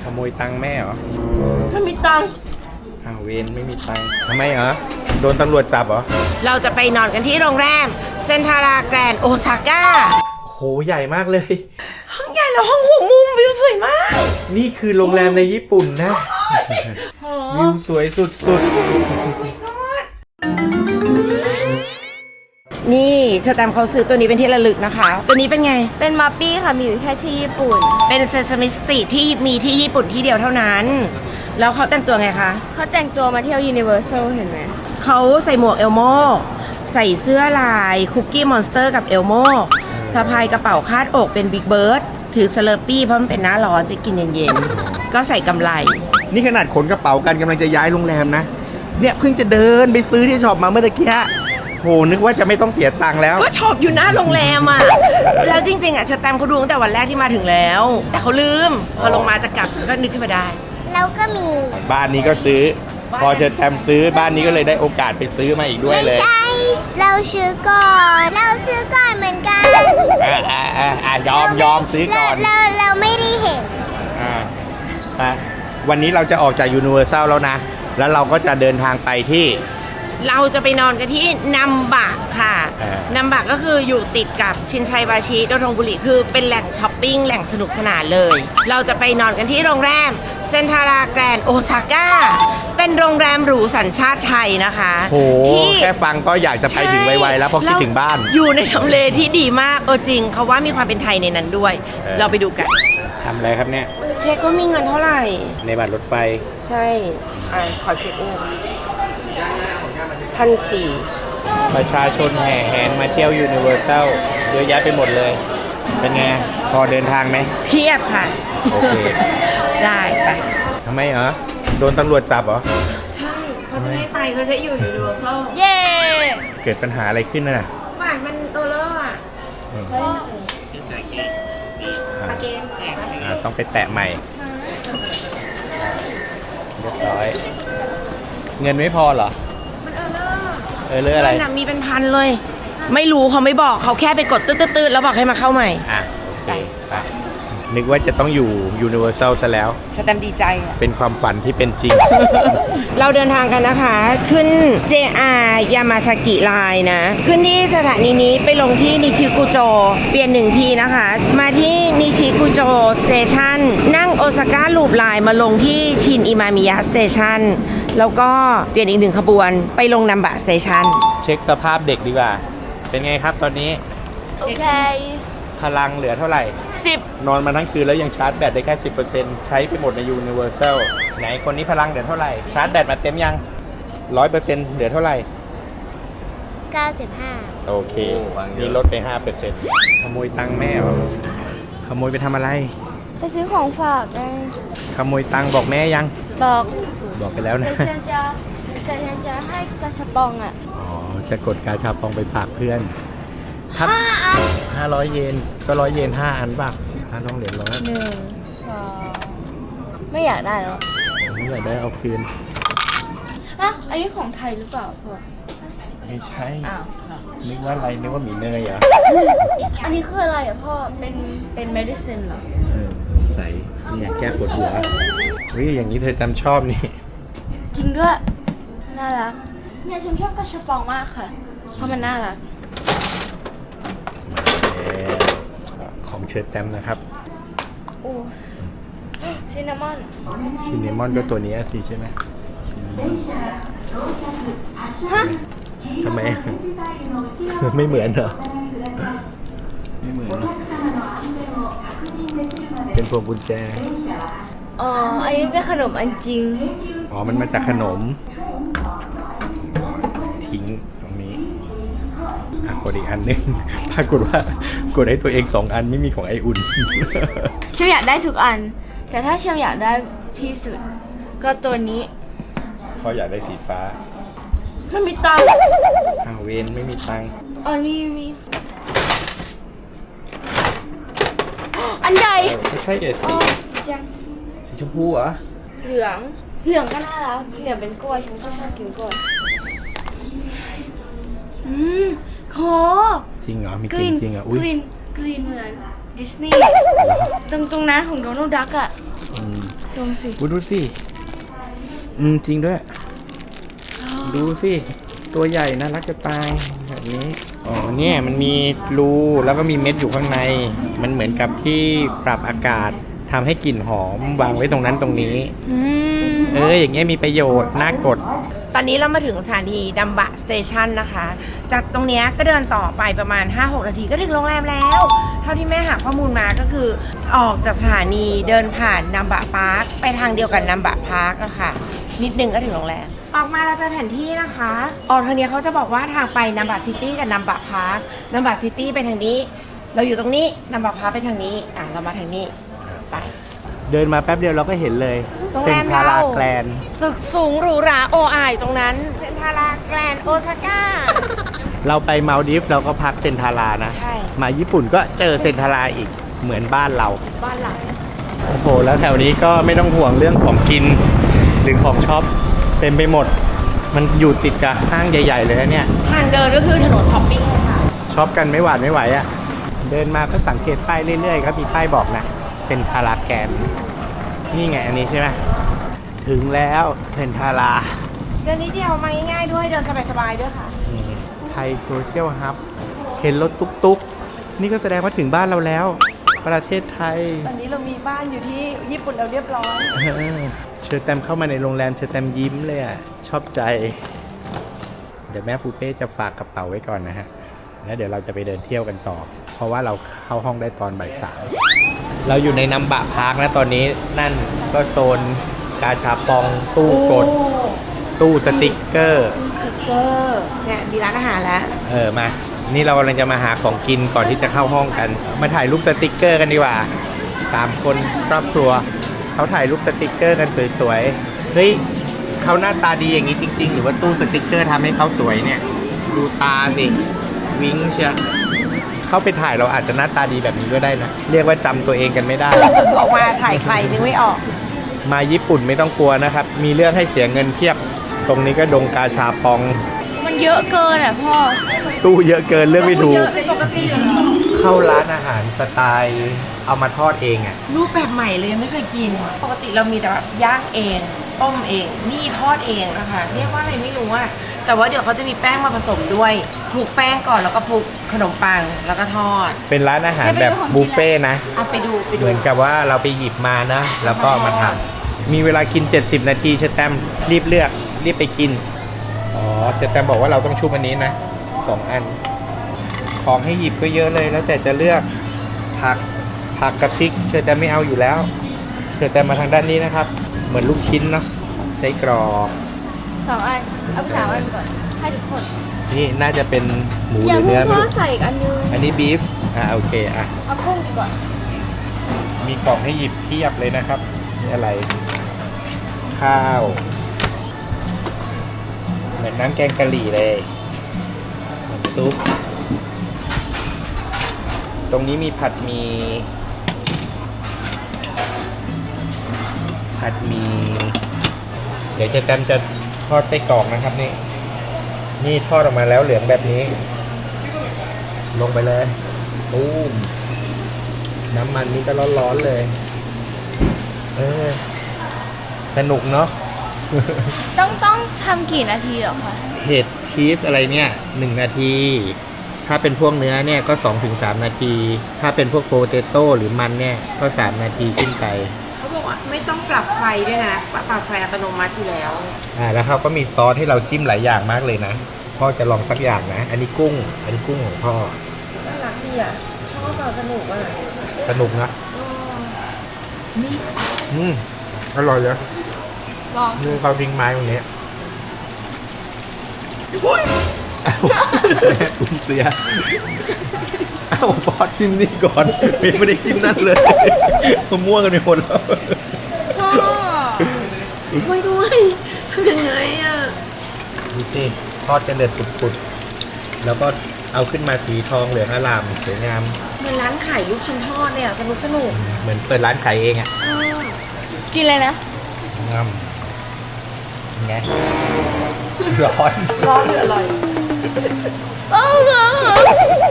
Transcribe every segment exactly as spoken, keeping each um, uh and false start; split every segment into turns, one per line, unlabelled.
ขโมยตังค์แม่เหรอ
ไม่มีตังค์
อ้าวเวนไม่มีตังค์ทำไมเหรอโดนตำรวจจับเหรอ
เราจะไปนอนกันที่โรงแรมเซ็นทาราแกรนด์โอซาก้า
โหใหญ่มากเลย
ห้องใหญ่แล้วห้องหัวมุมวิวสวยมาก
นี่คือโรงแรมในญี่ปุ่นนะวิวสวยสุดๆ
นี่ชาแตมเขาซื้อตัวนี้เป็นที่ระลึกนะคะตัวนี้เป็นไง
เป็นมัปปี้ค่ะมีอยู่แค่ที่ญี่ปุ่น
เป็นเซซามิสติที่มีที่ญี่ปุ่นที่เดียวเท่านั้นแล้วเขาแต่งตัวไงคะ
เขาแต่งตัวมาเที่ยวยูนิเวอร์แซลเห็นไหม
เขาใส่หมวกเอลโมใส่เสื้อลายคุกกี้มอนสเตอร์กับเอลโมสะพายกระเป๋าคาดอกเป็นบิ๊กเบิร์ดถือสเลอร์ปี้เพราะมันเป็นหน้าร้อนจะกินเย็นๆก็ใส่กำไร
นี่ขนาดขนกระเป๋ากันกำลังจะย้ายโรงแรมนะเนี่ยเพิ่งจะเดินไปซื้อที่ช็อปมาเมื่อตะกี้โหนึกว่าจะไม่ต้องเสียตังค์แล้ว
ก็ช็อปอยู่หน้าโรงแรมอ่ะแล้วจริงๆอ่ะชาแตมเขาดูตั้งแต่วันแรกที่มาถึงแล้วแต่เขาลืมพอลงมาจะกลับก็นึกขึ้นมาได้
เราก็มี
บ้านนี้ก็ซื้อพอเชอแตมซื้อบ้านนี้ก็เลยได้โอกาสไปซื้อมาอีกด้วยเลย
ไม่ใช่เราซื้อก่อนเราซื้อก่อนเหมือนกัน
อ่าอ่าอ่ายอมยอมซื้อก่อน
เราเราไม่ได้เห็น
อ่าอ่ะวันนี้เราจะออกจากยูนิเวอร์แซลแล้วนะแล้วเราก็จะเดินทางไปที่
เราจะไปนอนกันที่นัมบะค่ะนัมบะก็คืออยู่ติดกับชินไซบาชิโดทงบุรีคือเป็นแหล่งช้อปปิ้งแหล่งสนุกสนานเลยเราจะไปนอนกันที่โรงแรมเซ็นทาราแกรนด์โอซาก้าเป็นโรงแรมหรูสัญชาติไทยนะคะ
โอ้แค่ฟังก็อยากจะไปถึงไวๆแล้วพอคิดถึงบ้าน
อยู่ในทำเลที่ดีมากเออจริงเขาว่ามีความเป็นไทยในนั้นด้วยเราไปดูกัน
ทำอะไรครับเนี่ย
เช็คว่ามีเงินเท่าไหร่
ในบัตรรถไฟ
ใช่อ่าขอเช็คอีกพันสี่
ประชาชนแห่แหนมาเที่ยวยูนิเวอร์แซลเยอะแยะไปหมดเลยเป็นไงพอเดินทางไหม
เพียบค่ะ
โอเค
ได้ไป
ทำไมเหรอโดนตำรวจจับเหรอ
ใช่เขาจะไม่ไปเขาจะอยู่ยูนิเวอร์แซล
เย่
เกิดปัญหาอะไรขึ้นน่ะ
หวานมันเออเลอร์อ่ะเฮ้ยปาเกน
ต้องไปแตะใหม่เรียบร้อยเงินไม่พอเหรอเออเรื่องอะไร
หนังมีเป็นพันเลยไม่รู้เขาไม่บอกเขาแค่ไปกดตืดๆแล้วบอกให้มาเข้าใหม่
อ่ะโอเคไปนึกว่าจะต้องอยู่ยูนิเวอร์แซลซะแล้ว
ชาแตมดีใจ
เป็นความฝันที่เป็นจริง
เราเดินทางกันนะคะขึ้น เจ อาร์ ยามาซากิไลน์นะขึ้นที่สถานีนี้ไปลงที่นิชิกุโจเปลี่ยนหนึ่งทีนะคะมาที่นิชิกุโจสเตชันนั่งโอซาก้าลูปไลน์มาลงที่ชินอิมามิยะสเตชันแล้วก็เปลี่ยนอีกหนึ่งขบวนไปลงนัมบะสเตชัน
เช็คสภาพเด็กดีกว่าเป็นไงครับตอนนี้
โอเค
พลังเหลือเท่าไหร่
สิบ
นอนมาทั้งคืนแล้วยังชาร์จแบตได้แค่ สิบเปอร์เซ็นต์ ใช้ไปหมดในยูนิเวอร์แซลไหนคนนี้พลังเหลือเท่าไหร่ชาร์จแบตมาเต็มยัง ร้อยเปอร์เซ็นต์ เหลือเท่าไหร่
เก้าสิบห้า
โอเคนี่ลดไป ห้าเปอร์เซ็นต์ ขโมยตังค์แม่เหรอขโมยไปทำอะไร
ไปซื้อของฝากไง
ขโมยตังค์บอกแม่ยัง
บอก
บอกไปแล้วนะ
แต่ฉันจะแต่ฉันจะให้กาชาปองอ่ะ
อ๋อจะกดกาชาปองไปฝากเพื่อน
ห้าอัน
ห้าร้อยเยนก็ร้อยเยนห้าอันป่ะห้าร้อยเหรียญร้อย
หนึ่งสองไม่อยากได้แล้ว
ไม่อยากได้เอาคืน
อ่ะอันนี้ของไทยหรือเปล่าพ่อ
ไม่ใช่อ้าวนึกว่าอะไรนึกว่าหมีเนยเหรอ
อันนี้คืออะไรอ่ะพ่อเป็นเป็น medicine เหรอ
เออใส่เนี่ยแก้ปวดหัวเฮ้ยอย่างนี้เธอจำชอบนี่
จริงด้วยน่ารักเนี่ยฉันชอบกระชับปองมากค่ะเพราะมันน่ารัก
ของเชิดแต้มนะครับ
โอ้ซินนามอน
ซินนามอนก็ตัวนี้สิใช่ไหม
ฮะ
ทำไมไม่เหมือนเหรอไม่เหมือนเป็นพวงกุญแจ
อ๋ออันนี้เป็นขนมอันจริง
อ๋อมันมาจากขนมทิ้งตรงนี้กดอีกอันนึงปรากฏว่ากดให้ตัวเองสองอันไม่มีของไออุ่น
เชลอยากได้ทุกอันแต่ถ้าเชลอยากได้ที่สุดก็ตัวนี้
เพราะอยากได้สีฟ้า
ไม่มีตังค์
อ้าวเวนไม่มีตังค์
อ๋อนี่มีอันใหญ่
ไม่ใช่เด็ดสี
จัง
สีชมพูเหรอ
เหลืองเหลืองก็น่ารักเหลืองเป็นกล้วยฉันก็ชอบกินกล้วยอืมขอ
จริงเหรอมีกลิ่นจริงเหรออุ้ย
กลิ่นกลิ่นเหมือนดิสนีย์ตรงตรงนั้นของโดนัลด์ดักอ่ะโดดมสิ
กูดูสิ อืม จริงด้วย ดูสิ ตัวใหญ่น่ารักจะตายแบบนี้ อ๋อ เนี่ยมันมีรูแล้วก็มีเม็ดอยู่ข้างใน มันเหมือนกับที่ปรับอากาศทำให้กลิ่นหอมวางไว้ตรงนั้นตรงนี้
อืม
เออ อย่างเงี้ยมีประโยชน์ น่ากด
ตอนนี้เรามาถึงสถานีดัมบะสเตชันนะคะ จากตรงเนี้ยก็เดินต่อไปประมาณ ห้าหก นาทีก็ถึงโรงแรมแล้ว เท่าที่แม่หาข้อมูลมาก็คือออกจากสถานีเดินผ่านนัมบะพาร์คไปทางเดียวกับนัมบะพาร์คอะค่ะ นิดนึงก็ถึงโรงแรม ออกมาเราจะแผนที่นะคะออกทางเนี้ยเขาจะบอกว่าทางไปนัมบะซิตี้กับนัมบะพาร์คนัมบะซิตี้ไปทางนี้ เราอยู่ตรงนี้นัมบะพาร์คไปทางนี้ อ่ะเรามาทางนี้ไป
เดินมาแป๊บเดียวเราก็เห็นเลย
โรง
เซ็
แร
น
ม
ทารา
เรา
แกรนด์
ตึกสูงหรูหราโออายตรงนั้นเซนทาราแกรนด์โอซาก้า
เราไปมาลดีฟเราก็พักเซ็นทารานะ
ใช่
มาญี่ปุ่นก็เจอเซ็นทาราอีกเหมือนบ้านเรา
บ้านหลัง
โอ้โห แล้วแถวนี้ก็ไม่ต้องห่วงเรื่องของกิน หรือของช็อปเต็มไปหมด มันอยู่ติดกับห้างใหญ่ๆเลยนะเนี่ย
ทางเดินก็คือถนนช้อปปิ้งเลยค่ะ
ช็อปกันไม่หวาดไม่ไหวอะ่ะ เดินมาก็สังเกตป้ายเรื่อยๆครับมีป้ายบอกนะเซ็นทาราแกรนด์นี่ไงอันนี้ใช่ไหมถึงแล้วเซ็นทารา
เดินนิดเดียวมาง่ายๆด้วยเดินสบายๆด้วยค่ะ
ไทยโซเชียลฮับเห็นรถตุ๊กๆ นี่ก็แสดงว่าถึงบ้านเราแล้ว ประเทศไทย
ตอนนี้เรามีบ้านอยู่ที่ญี่ปุ่นแล้วเรียบร้อย
เออเชิญแตมเข้ามาในโรงแรมเชิญแตมยิ้มเลยอ่ะ ชอบใจ เดี๋ยวแม่ปูเป้จะฝากกระเป๋าไว้ก่อนนะฮะ แล้วเดี๋ยวเราจะไปเดินเที่ยวกันต่อ เพราะว่าเราเข้าห้องได้ตอนบ่ายสามเราอยู่ในนัมบะพาร์คนะตอนนี้นั่นก็โซนกาชาปองตู้กด ตู้สติกเกอร์
สติ๊กเกอร์เนี่ยมีร้านอาหารแล้ว
เออมา นี่เรากำลังจะมาหาของกินก่อนที่จะเข้าห้องกัน มาถ่ายรูปสติกเกอร์กันดีกว่าสามคนครอบครัว เขาถ่ายรูปสติกเกอร์กันสวยๆ เฮ้ยเขาหน้าตาดีอย่างนี้จริงๆ หรือว่าตู้สติกเกอร์ทำให้เขาสวยเนี่ย ดูตาสิ วิ้งเชียเข้าไปถ่ายเราอาจจะหน้าตาดีแบบนี้ก็ได้นะ เรียกว่าจำตัวเองกันไม่ได้
ออกมาถ่ายใครนึกไม่ออก
มาญี่ปุ่นไม่ต้องกลัวนะครับ มีเรื่องให้เสียเงินเพียบ ตรงนี้ก็ดงกาชาปอง
มันเยอะเกินอ่ะพ่อ
ตู้เยอะเกินเรื่องไม่ถูก
เป็นปกติอยู่แล้ว
เข้าร้านอาหารสไตล์เอามาทอดเองอ่ะ
รูปแบบใหม่เลยยังไม่เคยกิน ปกติเรามีแต่แบบย่างเอง ต้มเอง นี่ทอดเองนะคะ เรียกว่าอะไรไม่รู้อะแต่ว่าเดี๋ยวเขาจะมีแป้งมาผสมด้วยคลุกแป้งก่อนแล้วก็คลุกขนมปังแล้วก็ทอด
เป็นร้านอาหารแบบบุฟเฟ่ต์นะ
เอาไปดูไป
เห
ดู
มือนกับว่าเราไปหยิบมานะ แล้วก็มาทำมีเวลากิน เจ็ดสิบ นาทีเชอแตมรีบเลือก รีบไปกิน อ๋อเชอแตมบอกว่าเราต้องชุบอันนี้นะสองอัน ของให้หยิบก็เยอะเลย แล้วแต่จะเลือกผักผักกับพริกเชอแตมไม่เอาอยู่แล้วเชอแตมมาทางด้านนี้นะครับ เหมือนลูกชิ้นเนาะไส้กรอก
สองอัน เอาสามอันก่อน ให้ทุกคน
นี่น่าจะเป็นหมูห
อย่า
รือ
เพิ่
เนื้อง ไม่
พ่อ
รู้
ใส่อีกอันนึง
อันนี้บีฟอ่าโอเคอ่ะ
เอากุ้งดีกว่า
มีกล่องให้หยิบเพียบเลยนะครับนี่อะไร ข้าวเหมือนน้ำแกงกะหรี่เลยน้ำซุปตรงนี้มีผัดหมีผัดหมีเดี๋ยวจะแตมจะทอดไส้กรอกนะครับนี่นี่ทอดออกมาแล้วเหลืองแบบนี้ ลงไปเลยตูมน้ำมันนี่ก็ร้อนๆเลย เออ สนุกเนาะ
ต้องต้องทำกี่นาทีเหรอคะ
เห็ดชีสอะไรเนี่ยหนึ่งนาที ถ้าเป็นพวกเนื้อเนี่ยก็สองถึงสามนาที ถ้าเป็นพวกโปเตโต้หรือมันเนี่ยก็สามนาทีขึ้นไป
เขาบอกว่าไม่ต้องปรับไฟด้วยนะปรับไฟอัตโนมัติอยู่แล้ว
อ่าแล้วเขาก็มีซอสให้เราจิ้มหลายอย่างมากเลยนะ พ่อจะลองสักอย่างนะ อันนี้กุ้ง อันนี้กุ้งของพ่อ
น่ารักดีอ่ะ ชอบอ่ะสนุกอ่ะ
สนุกนะอืมอร่อยเลย
ลอง
นี่เขาทิ้งไม้ตรงนี้อ้าวตุ้มเสียอ้าวพอกินนี่ก่อนไม่ได้กินนั่นเลยมาม่วงกันไปหมดแล้ว
พ่อ
ช่วยด้วยทำยังไงอ่ะ
ดูสิทอดจะเดือดปุดๆแล้วก็เอาขึ้นมาสีทองเหลืองอร่ามสวยงาม
เหมือนร้านขายลูกชิ้นทอดเลยอ่ะสนุกสนุก
เหมือนเปิดร้านขายเองอ่ะ
กินเลยนะ
งามไงร้อน
ร้อนหรืออร่อย
โอ้โห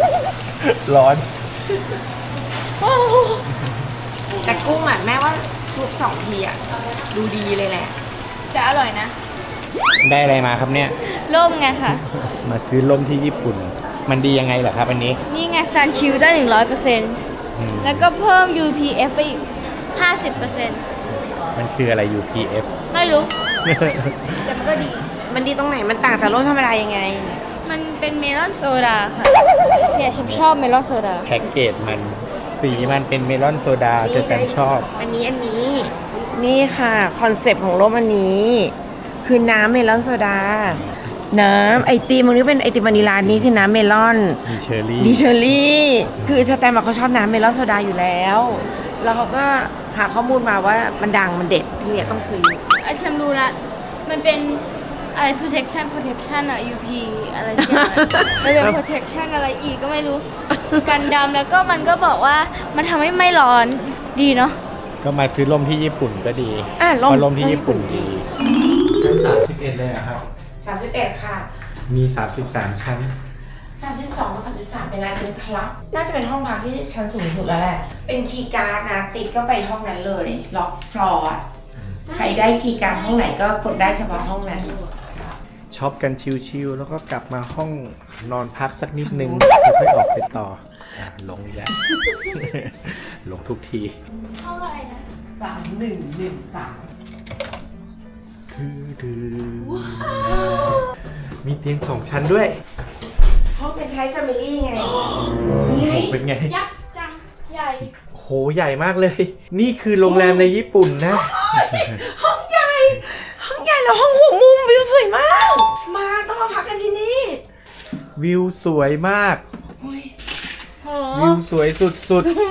ร้อน
โอ้โห
แต่กุ้งอ่ะแม่ว่าซุปสองทีอะดูดีเลยแหละ
แต่อร่อยนะ
ได้อะไรมาครับเนี่ย
ร่มไงค่ะ
มาซื้อล่มที่ญี่ปุ่น มันดียังไงเหรอครับอันนี้
นี่ไงซันชิลได้หนึ่งร้อยเปอร์เซ็นต์
อืม
แล้วก็เพิ่ม ยู พี เอฟ ไปอีกห้าสิบเปอร์เซ็นต์
มันคืออะไร ยู พี เอฟ
ไม่รู้ แต่มันก็ดี
มันดีตรงไหนมันต่างจากร่มธรรมดายังไง
มันเป็นเมลอนโซดาค่ะ เนี่ยฉันชอบเมลอนโซดา
แพ็กเกจมันสีมันเป็นเมลอนโซดาจะจันชอบ
อันนี้อันนี้ นี่ค่ะคอนเซปต์ของร่มอันนี้ คือน้ำเมลอนโซดา น้ำไอติมตรงนี้เป็นไอติมวานิลานี้คือน้ำเมลอน
มีเชอร์รี่
ดิเชอรี่ คือชาแตมบอกเขาชอบน้ำเมลอนโซดาอยู่แล้ว แล้วเขาก็หาข้อมูลมาว่ามันดังมันเด็ดที่เนี่ยต้องซื้อ
อันฉันรู้ละ มันเป็นอะไร protection protection อะ ยู พี อะไรสักอย่างอะมันเป็น protection อะไรอีกก็ไม่รู้ กันดำแล้วก็มันก็บอกว่ามันทำให้ไม่ร้อนดีเนาะ
ก็มาซื้อล่มที่ญี่ปุ่นก็ดี
อ่ะ
เพราะล่มที่ญี่ปุ่นดีชั้นสามสิบเอ็ดเลยอะครับ
สามสิบเอ็ดค่ะ
มีสามสิบสามชั้น
สามสิบสองกับสามสิบสามเป็นอะไรเป็นคลับ น่าจะเป็นห้องพักที่ชั้นสูงสุดแล้วแหละ เป็นคีย์การ์ดนะ ติดก็ไปห้องนั้นเลย ล็อกฟลอร์อะใครได้คีย์การ์ดห้องไหนก็กดได้เฉพาะห้องนั้น
ช็อปกันชิวๆแล้วก็กลับมาห้องนอนพักสักนิดนึงแล้วค่อยออกไปต่ออ่ะลงอีกแล้ว ลงทุกที
ห้องอะไรนะ
สามหนึ่งหนึ่งสาม
มีเตียงสองชั้นด้วย
ห้องเป็นไทป์แฟมิลี่ไง
นี่ไงเป็นไง
ยักษ์จัง ใหญ่
โหใหญ่มากเลย นี่คือโรงแรมในญี่ปุ่นนะ
ห้องใหญ่ ห้องใหญ่แล้วห้องหัวมุมวิวสวยมาก มาต้องมาพักกันที่นี่
วิวสวยมาก
โอ้ย
โห
วิวสวยสุด
โอ้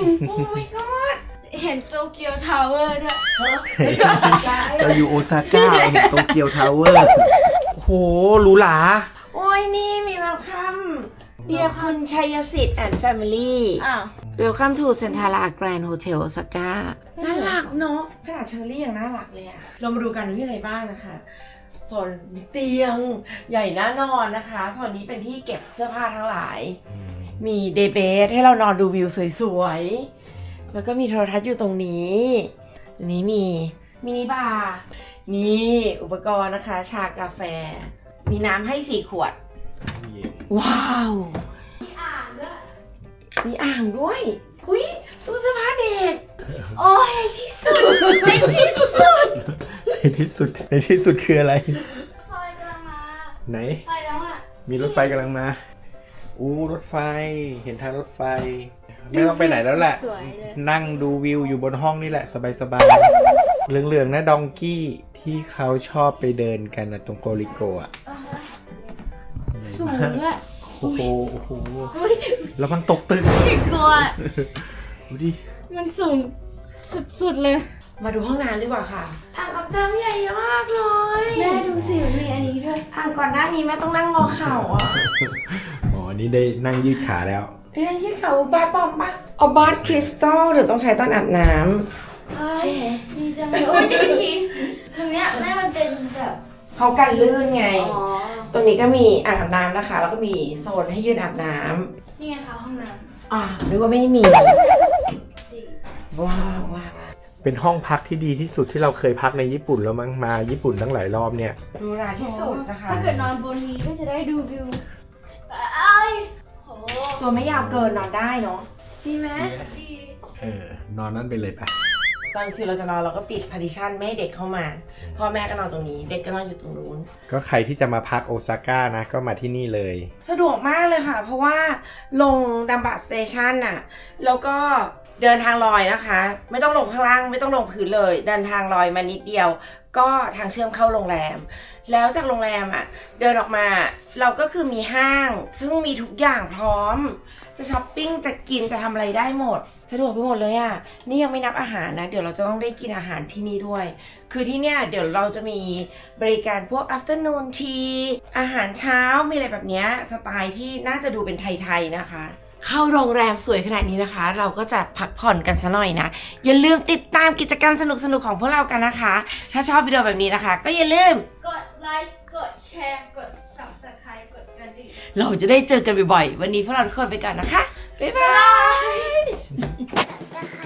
my god
เห็นโตเกียวทาวเวอร์ด้วย
ๆ เราอยู่โอซาก้าเห็นโตเกียวทาวเวอร์โอ้โหหรูหรา
โอ้ยนี่มีเวลคัมเดียคุณชัยสิทธิ์แอนด์แฟมิลี่
อ้าว
Welcome to Centara Grand Hotel Osaka น่ารักเนาะขนาดเชอรี่ยังน่ารักเลยอะเรามาดูกันว่ามีอะไรบ้างนะคะโซนมีเตียงใหญ่น่านอนนะคะส่วนนี้เป็นที่เก็บเสื้อผ้าทั้งหลาย มีเดย์เบสให้เรานอนดูวิวสวยๆ แล้วก็มีโทรทัศน์อยู่ตรงนี้อันนี้มีมินิบาร์นี่อุปกรณ์นะคะ ชากาแฟ มีน้ำให้สี่ขวด ว้าว
มีอ่างด้วย
มีอ่างด้วยอุ้ยตู้เสื้อผ้าเด็ก
โอ้ยในที่สุดในที่สุด
ในที่สุดในที่สุดคืออะไร
ไฟกำลังมา
ไหน
ไปแล้วอ่ะ
มีรถไฟกำลังมา อู้รถไฟ เห็นทางรถไฟ ไม่ต้องไปไหนแล้วแหละ
สวยเลย
นั่งดูวิวอยู่บนห้องนี่แหละ สบายๆ เหลืองๆนะดองกี้ที่เขาชอบไปเดินกันนะตรงโกริโกะ
สูงด้วย
โอ้โหโอ้โหแล้วมันตกตึก
กลัว
ดูดิ
มันสูงสุดๆเลย
มาดูห้องน้ำดีกว่าค่ะ อ่างอาบน้ำใหญ่มากเลย
แม่ดูสิมันมีอันนี้ด้วย
อ่างก่อนหน้านี้แม่ต้องนั่งงอเข่าอ่ะ
อ๋อ นี่ได้นั่งยืดขาแล้ว
เอ้ยยืดเข่าบาสบอมปะเอาบาสคริสตัลเดี๋ยวต้องใช้ตอนอาบน้ำ
ใช่ดีจังเลยโอ้ยจริงทีตรงเนี้ยแม่มันเป็นแบบ
เขากันลื่นไง
อ๋อ
ตรงนี้ก็มีอ่างอาบน้ำนะคะ แล้วก็มีโซนให้ยืนอาบน้ำ
นี่ไงคะห้องน้
อ่ะนึกว่าไม่มี
ำจริง
ว้าวว้าว
เป็นห้องพักที่ดีที่สุดที่เราเคยพักในญี่ปุ่นแล้วมั้งมาญี่ปุ่นตั้งหลายรอบเนี่ย
ดูราที่สุดนะคะ
ถ้าเกิดนอนบนนี้ก็จะได้ดูวิวไอ้ายโห
ตัวไม่ยาวเกินนอนได้เนาะดีไหม
ดี
เออ นอนนั่นไปเลยปะ
ตอนคืนเราจะนอนเราก็ปิดพาร์ติชันไม่ให้เด็กเข้ามาพ่อแม่ก็นอนตรงนี้ เด็กก็นอนอยู่ตรงนู้น
ก็ใครที่จะมาพักโอซาก้านะ ก็มาที่นี่เลย
สะดวกมากเลยค่ะ เพราะว่าลงดัมบะสเตชันน่ะแล้วก็เดินทางลอยนะคะ ไม่ต้องลงข้างล่างไม่ต้องลงพื้นเลย เดินทางลอยมานิดเดียว ก็ทางเชื่อมเข้าโรงแรม แล้วจากโรงแรมอ่ะเดินออกมาเราก็คือมีห้าง ซึ่งมีทุกอย่างพร้อม จะช้อปปิ้งจะกินจะทำอะไรได้หมด สะดวกไปหมดเลยอ่ะนี่ยังไม่นับอาหารนะเดี๋ยวเราจะต้องได้กินอาหารที่นี่ด้วย คือที่เนี่ยเดี๋ยวเราจะมีบริการพวก afternoon tea อาหารเช้ามีอะไรแบบเนี้ยสไตล์ที่น่าจะดูเป็นไทยๆนะคะ เข้าโรงแรมสวยขนาดนี้นะคะ เราก็จะพักผ่อนกันซะหน่อยนะอย่าลืมติดตามกิจกรรมสนุกๆของพวกเรากันนะคะ ถ้าชอบวิดีโอแบบนี้นะคะ ก็อย่าลืม
กดไลค์กดแชร์กด subscribe กดกระดิ่ง
เราจะได้เจอกันบ่อยๆวันนี้พวกเราทุกคนไปก่อนนะคะบ๊ายบาย